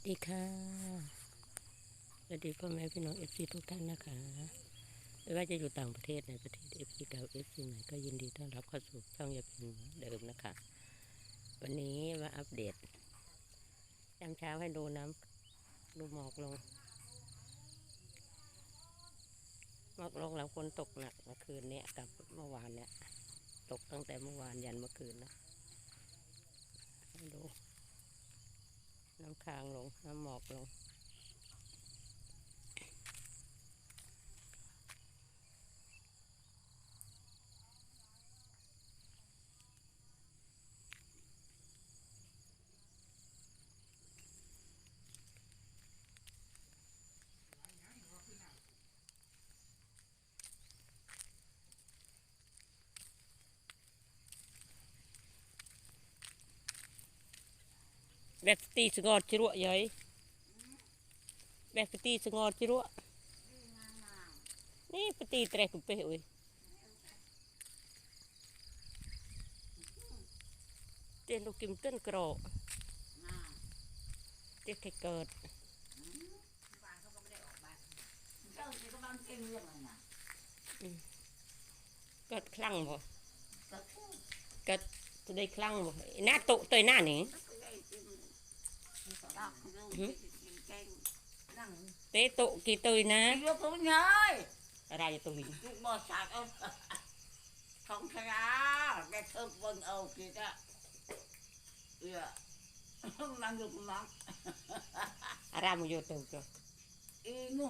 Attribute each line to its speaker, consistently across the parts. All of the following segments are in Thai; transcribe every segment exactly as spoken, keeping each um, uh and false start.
Speaker 1: ดีค่ะสวัสดีพ่อแม่พี่น้องเอฟซีทุกท่านนะคะไม่ว่าจะอยู่ต่างประเทศในประเทศเอฟซีเก่าเอฟซีใหม่ก็ยินดีต้อนรับเข้าสู่ช่องยาพินเดิมนะคะวันนี้มาอัปเดตยามเช้าให้ดูน้ำดูหมอกลงหมอกลงแล้วฝนตกหนักเมื่อคืนนี้กับเมื่อวานเนี่ยตกตั้งแต่เมื่อวานยันเมื่อคืนนะให้ดูน้ำค้างลงน้ำหมอกลงแบบตีสงอดจิรัวยัยแบบตีสงอดจิรัวนี่ปตีเตะกุเปะอุ้ยเจนลูกกิมต้นกรอเจ๊แค่เกิดเกิดคลั่งบ่เกิดจะได้คลั่งบ่หน้าโตตัวหน้าหนิเตะโตกี่ตัวนะอะไรตัวนี้
Speaker 2: không thấy á cái thơm vân âu kia đó yeah không làm được lắm
Speaker 1: อารามอยู่ตัวจ้ะ
Speaker 2: y nu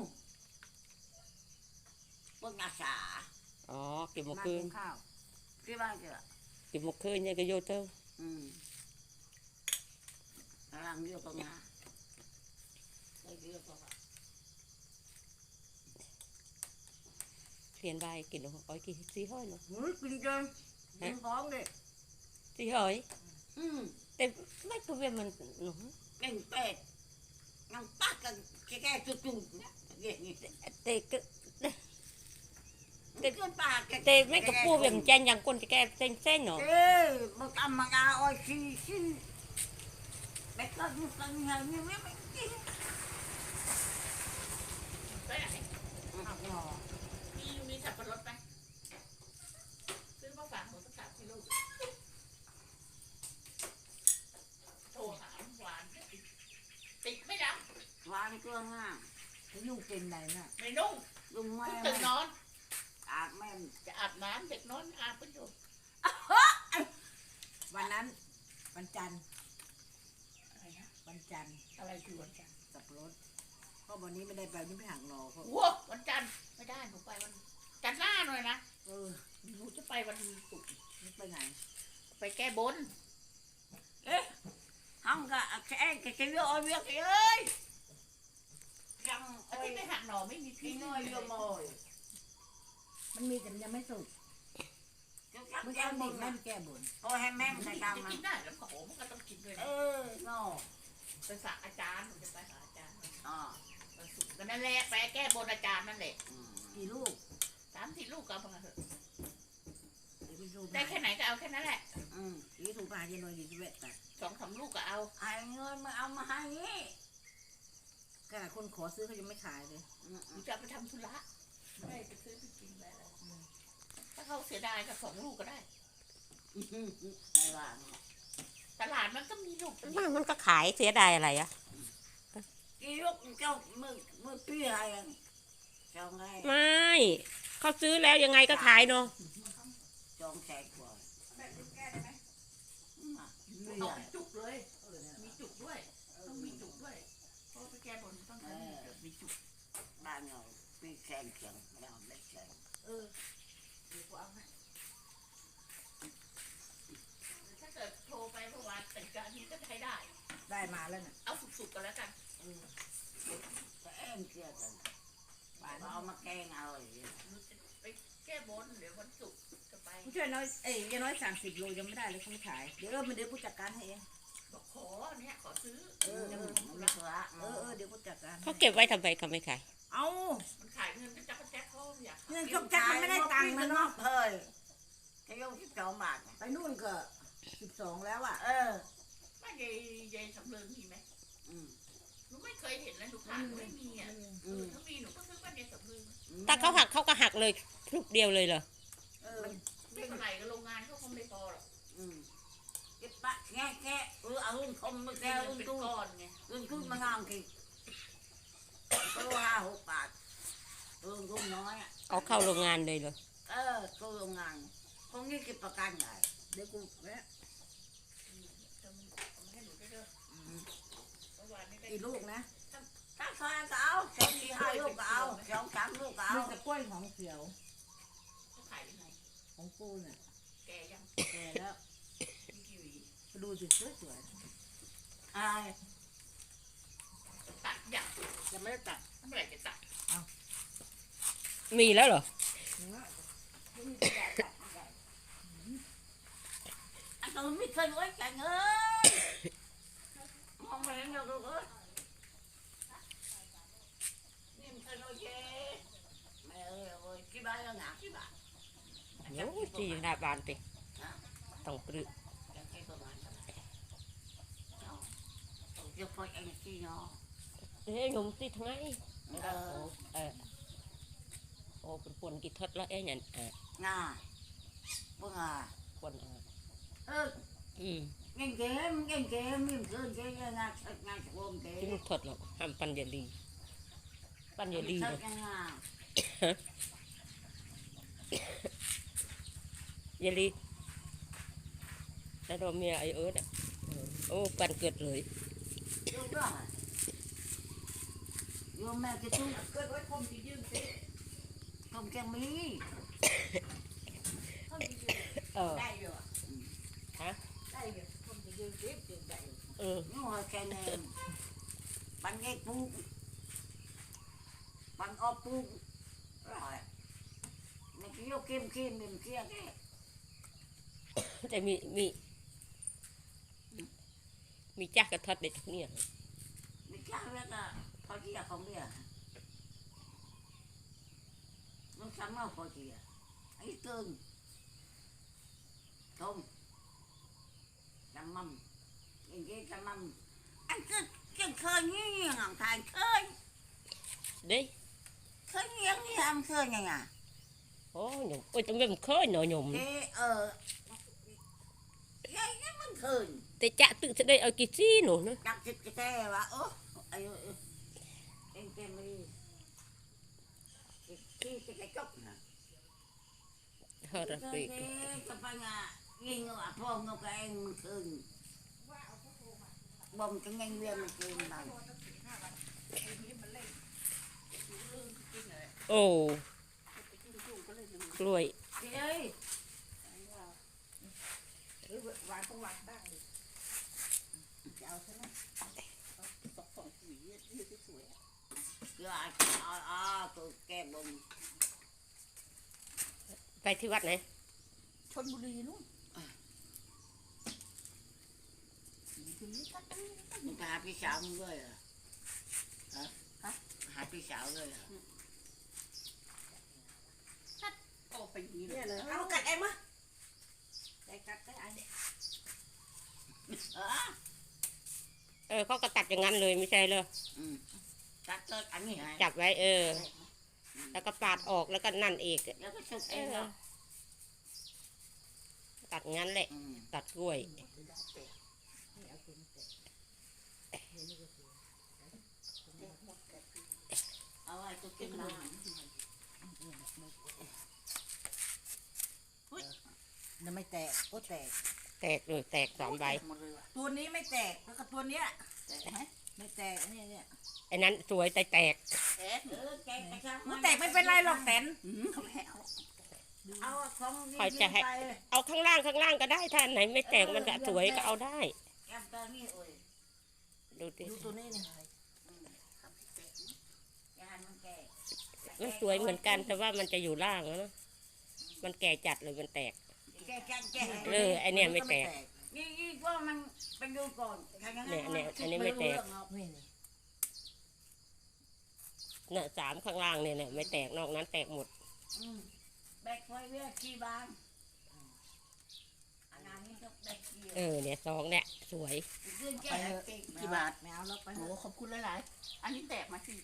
Speaker 2: vân ngà xả
Speaker 1: อ๋อเก็บหมกคืน
Speaker 2: cái ba kìa
Speaker 1: เก็บหมกคืนเนี่ยก็โยเตอร์
Speaker 2: ừ làm vô con ngà đây kia con ngà
Speaker 1: เขียนใบกินหรออ้อยกี่สีห้อยเนาะ
Speaker 2: mới kinh chân những con đi
Speaker 1: สีห้อย
Speaker 2: ừ
Speaker 1: แต่ไม่ก็เว้นมันหนู
Speaker 2: cành pẹt ngăn tắt cái cái cái chút chút vậy như thế
Speaker 1: แต่ก็
Speaker 2: cái cái ba cái
Speaker 1: แต่ไม่ก็ปูเวียงจันอย่างคนจะแก้เส้นเส้นเนาะ
Speaker 2: ê một âm mà gà ôi xì xì bé con như con nhà như mấy mấy kia
Speaker 3: ไปไหนมีมีสับปะรดไหมซื้อมาฝากหมูสักสามกิโลโทรหาหวานติดไม่ดัง
Speaker 2: vàng cương à cái nhung kìm này nè
Speaker 3: ไม่นุ่ง
Speaker 2: dùng
Speaker 3: เพิ่ง
Speaker 2: me
Speaker 3: ตื่นนอน
Speaker 2: à men
Speaker 3: จะอาบน้ำเด็กนอนอาบไปอยู่
Speaker 4: วันนั้นวันจันทร์
Speaker 3: อะไรนะ
Speaker 4: วันจันทร์
Speaker 3: อะไรคือวันจันทร์
Speaker 4: สับปะรดเพราะวันนี้ไม่ได้ไปนี่ไปหักหนอเขา
Speaker 3: ว้าวันจันทร์ไม่ได้หนูไปวันจันทร์หน้าหน่อยนะ
Speaker 4: เออ
Speaker 3: หนูจะไปวันศุกร์
Speaker 4: นี่ไปไหน
Speaker 3: ไปแก้บน
Speaker 2: không cả cái cái cái ôi biết cái ơi răng
Speaker 3: แต่ที่
Speaker 2: ơi
Speaker 3: ไม่หักหน่อไม่มีพี่
Speaker 2: cái
Speaker 3: น้อ
Speaker 2: nuôi
Speaker 3: ย
Speaker 2: vô mồi
Speaker 4: มันมีแต่มันยังไม่สุก
Speaker 2: cái cắt
Speaker 4: เมื่อ
Speaker 2: cái
Speaker 4: เช้าเด็ก
Speaker 2: bùn
Speaker 4: แม่
Speaker 2: này
Speaker 4: นแก้บน
Speaker 2: thôi hai mem
Speaker 3: จะ
Speaker 2: này cầm mà
Speaker 3: กินได้แล้วก็โหมันก็ต้องกินด้วยนะ
Speaker 2: ê no
Speaker 3: ไปฝากอาจารย์หนูจะไปหาอาจารย์
Speaker 2: à
Speaker 3: วันศุกร์ก็นั่นแหละไปแก้บนอาจารย์นั่นแหละ
Speaker 4: กี่ลูก
Speaker 3: สามสี่ลูกก็เอามาเถอะ
Speaker 4: เดี๋ยวไปดู
Speaker 3: ได้แค่ไหนก็เอาแค่นั้นแหละ
Speaker 2: ừ
Speaker 4: ยี่ถูกปลาเย็นหน่อยดีจะเวทแต่
Speaker 3: สองสามลูกก็เอา
Speaker 2: ai ơi mà ông mà hai nhé
Speaker 4: ขนาดคนขอซื้อเขายังไม่ขายเลย
Speaker 2: ừ
Speaker 3: หนูจะเอาไปทำธุระไม่ได้ไปซื้อไปกินไปอะไรถ้าเขาเสียดายก็สองลูกก็ได้
Speaker 2: hai bạn
Speaker 3: ตลาดมันก็มีลูก
Speaker 1: มันมันก็ขายเสียดายอะไรอะ
Speaker 2: cái lúc trong mưa mưa pia hay trong ngay
Speaker 1: ไม่เขาซื้อแล้วยังไงก็ขายเนาะ
Speaker 2: trong sạch rồi
Speaker 3: แบบนี้แก้ได้ไหม
Speaker 2: nguy
Speaker 3: เอา
Speaker 2: hiểm
Speaker 3: จุกเลยมีจุกด้วยต้องมีจุกด้วยเพราะไปแก้บนต้องใช้มีจุก
Speaker 2: ba nhỏ phi sen chẳng nhỏ đất sen
Speaker 3: เออเดี๋ยวกูเอาให้ถ้าเกิดโทรไปเมื่อวานแต่งการนี้ก็ใช้ได้
Speaker 4: ได้มาแล้วน่ะ
Speaker 3: เอาสุกๆกันแล้วกัน
Speaker 2: cái em kia rồi bà nó mà khen rồi
Speaker 3: หนูจะไปแก้บนเดี๋ยววันศุกร์จะไป
Speaker 4: ผู้ช่วยน้อยเอ้ยยังน้อยสามสิบโลยังไม่ได้เลยเขาไม่ขายเดี๋ยวเออมันเดี๋ยวผู้จัดการให้เอง
Speaker 3: บอกขอเนี่ยขอซื้อ
Speaker 4: เออ
Speaker 3: จะ
Speaker 4: เอ
Speaker 3: หม
Speaker 4: อ
Speaker 3: ดธุ
Speaker 2: nó
Speaker 3: ระ
Speaker 2: thừa
Speaker 4: เออเออเดี๋ยวผู้จัดการ
Speaker 1: เขาเก็บไว้ทำไมเขาไม่ขาย
Speaker 4: เอา
Speaker 3: มันขายเงินก็จะกระแจกเขาอยาก
Speaker 4: เงินจกจักมันไม่ได้ตังค์มันเนาะ
Speaker 2: thời cái ông cái chỗ bạc
Speaker 4: ไปนู่นก็สิบสองแล้วอ่ะ
Speaker 2: ờ
Speaker 3: บ้านยายยายสำเริงมีไหม
Speaker 2: ừ
Speaker 3: หนูเคยเห็นแล้วหนูผ่านไม่มีอ่ะเออถ้ามีหนูก็ซื้อบ้านเดียวกับมือ
Speaker 1: ถ้าเขาหักเขาก็หักเลยพรุบเดียวเลยเหรอ
Speaker 2: เออ
Speaker 3: ไม่เท่าไหร่ก็โรงงานเขาคงไม่พอหรอก
Speaker 2: อืมเก็บปะแง่แง่เออเอาเงินคมมาแก้
Speaker 3: แก้ว
Speaker 2: เงิน
Speaker 3: เป็น
Speaker 2: ตู้
Speaker 3: ก้อนไง
Speaker 2: เงินตู้มางามกี่ตัวห้าหกบาทเออกุ้งน้อยอ่ะ
Speaker 1: เอาเข้าโรงงานเลยเหรอ
Speaker 2: เออตัวโรงงานพวกนี้เก็บประกันไง
Speaker 4: เดี๋ยวกูแวะ
Speaker 3: ให้หนูได้ด้วยเมื่อวานนี้ได้
Speaker 4: กี่ลูกนะ
Speaker 2: ถ้าใครก็เอาสองสี่ห้าลูกก็เอาสองสามลูกก็เอา
Speaker 4: มีแต่กล้วยของเขียว
Speaker 3: เขาขายยังไง
Speaker 4: ของกูเนี่ย
Speaker 3: แกยัง
Speaker 4: แก่แล้ว
Speaker 3: มีกี่หวี
Speaker 4: ดูสิสวยสวย
Speaker 2: อะไร
Speaker 3: ตัดอย่าง
Speaker 4: ๆยังไม่ได้ตัด
Speaker 3: เมื่อไหร่จะตัด
Speaker 1: มีแล้วเหรอ
Speaker 4: เนื้อ
Speaker 2: anh tôi biết khơi quá trời ơi không phải em đâu được ơi em khơi nói chê mẹ ơi ơi cái ba nó ngã cái bà
Speaker 1: โอ้ยจีหน้าบานไปต้องปรึก
Speaker 2: cái bà bà cho phải anh chi nó
Speaker 1: เอ้ยหนุ่มติดไง
Speaker 2: ờ
Speaker 1: เออโอ้เป็นคนกินทดแล้วเอ้ยเนี่ยเออ
Speaker 2: nà vâng à
Speaker 1: คนเออ
Speaker 2: ơ
Speaker 1: อืม
Speaker 2: nhanh kiếm nhanh kiếm em khơi cái ngà thật ngà ôm
Speaker 1: ที่
Speaker 2: cái
Speaker 1: มันทดหรอกห้ามปันอย่าดีปันอย่าดีเลย
Speaker 2: thật ngà
Speaker 1: อย่าดีแล้วเราเมียไอเอิร์ดอ่ะเออโอ้ปันเกิดเลย
Speaker 2: vô đó vô mẹ cái chú
Speaker 4: เกิดไว้คมที่ยืมสิ
Speaker 2: không cho mí
Speaker 4: คมที่ยืม
Speaker 1: เออ
Speaker 4: ได้อยู่อะ
Speaker 1: ฮะ
Speaker 4: ได้อยู่คมที่ยืมสิยืมได้อยู่
Speaker 1: เออ
Speaker 2: nhưng mà cái này bắn cái pu bắn o pu rồi mày cứ vô kim kim bên kia cái
Speaker 1: แต่มีมีมีจักกระทดเด็ดเนี่ย
Speaker 2: mày chắc biết là thôi chị à không biết à nó sắm đâu thôi chị à ấy tương không chăm mâm nhìn cái chăm mâm anh cứ cứ khơi như như ngọn thành khơi
Speaker 1: เด้
Speaker 2: khơi như như ham khơi này à
Speaker 1: โอ้หนุ่มโอ้ยจะไม่เคยหน่อยหนุ่ม
Speaker 2: thế ờ cái cái mình khơi
Speaker 1: แต่จะตึกจะได้เอากี่ซี่หนูนะ
Speaker 2: đặt thịt cái xe và ố ai ơi em kem đi cái cái cái cốc nè
Speaker 1: ฮาราเปก
Speaker 2: cái phải nhà nghi ngờ phong ngọc cái em mình khơi bom cái nhanh viên mình khơi bằng
Speaker 1: โอ้กล้วย
Speaker 2: chị ơi
Speaker 4: หรือวางต้องวางได้ดิจะเอาใช่ไหมสองสองหวียืดสวยๆอะ
Speaker 2: cứ à à à tôi kem bom
Speaker 1: ไปที่วัดไหน
Speaker 4: ชลบุรีนู่นทีนี้ก็ได้
Speaker 2: mình phải hạt cái xạo rồi à hả hả hạt cái xạo rồi à
Speaker 3: โอ้ไปอย่างนี้เล
Speaker 4: เนี่ย ยเลยเอากัดเอ็มอะได้กัดได้อัน
Speaker 2: ờ
Speaker 1: เออเขาก็ตัดอย่างนั้นเลยไม่ใช่เลย
Speaker 2: ừ cắt tới ảnh này hả
Speaker 1: จับไว้เออ แล้วก็ปาดออกแล้วก็นั่นเอก
Speaker 2: nó có sụp
Speaker 1: เอ
Speaker 2: em
Speaker 1: อ
Speaker 2: không
Speaker 1: ตัดงั้นแหละ
Speaker 2: ừ
Speaker 1: ตัดกล้วย
Speaker 2: เอาไว้ตัวกินน้ำ
Speaker 4: นั่นไม่แตกโอ้แตก
Speaker 1: แตกเลยแตกสามใบ
Speaker 2: หมดเลยว่ะ
Speaker 4: ตัวนี้ไม่แตกแล้วก็ตัวเนี้ย
Speaker 2: แต่ฮะ
Speaker 4: ไม่แตกเนี่ยเนี่ย
Speaker 1: ไอ้นั้นสวยแต่แตก
Speaker 2: เอ๊ะเออแกกระชัง
Speaker 4: มันแตกไม่เป็นไรหรอกแตน
Speaker 2: อืมเขาไม่เอาเอาของ
Speaker 1: คอยจะให้ เอาข้างล่างข้างล่างก็ได้ถ้าอันไหนไม่แตกมันจะสวยก็เอาได้
Speaker 2: แกมตอนนี้โอ้ย
Speaker 1: ดูดิ
Speaker 4: ดูตัวนี้เนี่ย
Speaker 2: อืมเขาไม่แตกนะอย่าให้มันแก่
Speaker 1: มันสวยเหมือนกันแต่ว่ามันจะอยู่ล่างแล้วนะมันแก่จัดเลยมันแตก
Speaker 2: แกแกแก
Speaker 1: เออไอเนี่ยไม่แตก
Speaker 2: นี่นี่ก็มันไปดูก่อนถ้าอย่าง
Speaker 1: เนี่ยเนี่ยอันนี้ไม่แตก
Speaker 4: นี่นี่
Speaker 1: เนี่ยสามข้างล่างเนี่ยเนี่ยไม่แตกนอกนั้นแตกหมด
Speaker 2: อืมแบกไฟเวียขี้บางอันนั้นนี้ก็ได้เกี่ยว
Speaker 1: เออเนี่ยซองเนี่ยสวย
Speaker 2: เรื่อง
Speaker 4: ไป
Speaker 2: แก้
Speaker 4: เถอะ
Speaker 2: เก่ง
Speaker 4: กี่บาทไม่เอาแล้วไปโหขอบคุณหลายๆอันนี้แตกมาสิ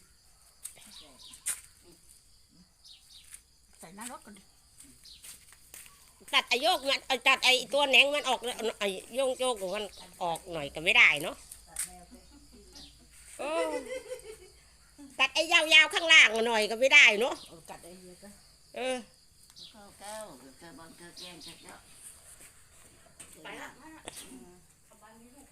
Speaker 4: ใส่หน้ารถกันดิ
Speaker 1: ตัดไอโยกมันเอาตัดไอตัวแหนงมันออกไอโยงโยกมันออกหน่อยก็ไม่ได้เนาะเออตัดไอยาวๆข้างล่างหน่อยก็ไม่ได้เนาะ
Speaker 4: เอากัดไอ้เหี้ยก็
Speaker 1: เออ
Speaker 2: เข้าเก้าเกิดบอลเกิดแกงเกิดเยอะ
Speaker 3: ไปละมาละเอาบ้านนี้ลูก